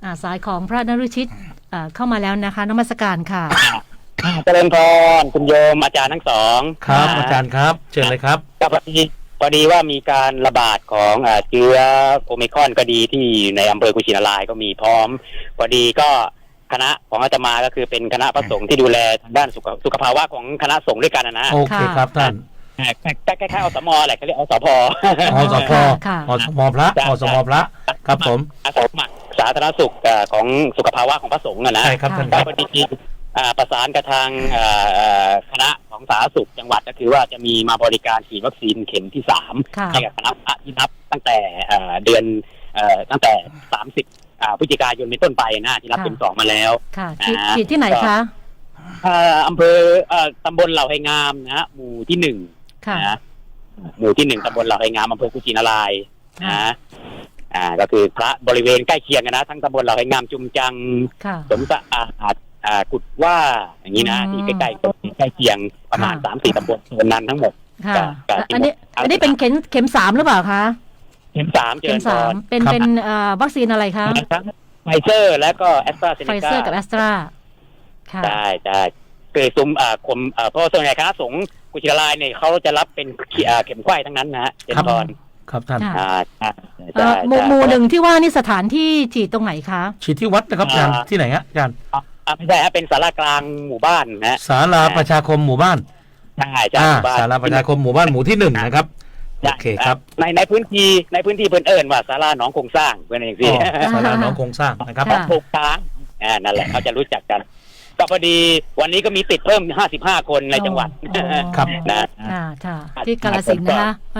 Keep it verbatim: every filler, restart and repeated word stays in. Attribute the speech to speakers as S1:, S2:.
S1: อ่าสายของพระนฤชิตอ่าเข้ามาแล้วนะคะนมัสการค่ะ
S2: เจริญพรคุณโยมอาจารย์ทั้งสอง
S3: ครับอาจารย์ครับเชิญเลยครับ
S2: ก็พอดีพอดีว่ามีการระบาดของเชื้อโอมิครอนก็ดีที่ในอำเภอกุชินารายก็มีพร้อมพอดีก็คณะของอาตมาก็คือเป็นคณะพระสงฆ์ที่ดูแลทางด้านสุขสุขภาวะของคณะสงฆ์ด้วยกันนะ
S3: โอเคครับท่าน
S2: ใกล้ๆอสมแหละเขาเรียกอสพ
S3: อสพอสมพระอสมพระครับผม
S2: อาสาสมัครสาธารณสุขของสุขภาวะของพระสงฆ์นะ
S3: ใช่ครับท่าน
S2: ก็พอดีประสานกับทางคณะของสาธารณสุขจังหวัดก็คือว่าจะมีมาบริการฉีดวัคซีนเข็มที่สามให้กับคณะที่นับตั้งแต่เดือนตั้งแต่สามสิบพฤศจิกายนเป็นต้นไปนะที่รับเข็มสองมาแล้ว
S1: ค่ะฉีดที่ไหนคะ
S2: อำเภอตำบลเหล่าไฮงามนะหมู่ที่หนึ่งนะหมู่ที่หนึ่งตำบลเหล่าไฮงามอำเภอกุชินารายนะอ่าก็คือพระบริเวณใกล้เคียงนะทั้งตำบลเหล่าไฮงามจุมจังสมสะอาดอ่ากุดว่าอย่างนี้นะที่ใกล้ๆใกล้เคียงประมาณสามสี่ตำบลโซนนั้นทั้งหมด
S1: ค่ะอันนี้อันนี้เป็นเข็มเข็มสามหรือเปล่าคะ
S2: เข็มสามเข็มสาม
S1: เป็นเป็นวัคซีนอะไรคะ
S2: ไฟเซอร์และก็แอสตราเซเนกา
S1: ไฟเซอร์กับแอสตรา
S2: ใช่ใช่คือซุ้มอ่าคมอ่าเพราะส่วนใหญ่คณะสงฆ์กุชินารายเนี่ยเขาจะรับเป็นเข็มไข้ทั้งนั้นนะฮะเจนพร
S3: ครับท่าน
S2: อ่า
S1: หมู่หมู่หนึ่งที่ว่านี่สถานที่ฉีดตรงไหนคะ
S3: ฉีดที่วัดนะครับอาจารย์ที่ไหนฮะอาจารย์
S2: ไม่ใช่ฮะเป็นศาลากลางหมู่บ้านนะ
S3: ศาลาประชาคมหมู่บ้าน
S2: ใช่ใช่
S3: ศาลาประชาคมหมู่บ้านหมู่ที่หนึ่งนะครับโอเคครับ
S2: ในในพื้นที่ในพื้นที่เพิ่นเอิญว่าศาลาหนองคงสร้างเพื่อนอย่างนี้
S3: ศาลาหนองคงสร้างนะครับ
S2: ถูกทางอ่านั่นแหละเขาจะรู้จักกันก็พอดีวันนี้ก็มีติดเพิ่มห้าสิบห้าคนในจังหวัด
S1: ครับนะที่กาฬสินธุ์นะคะ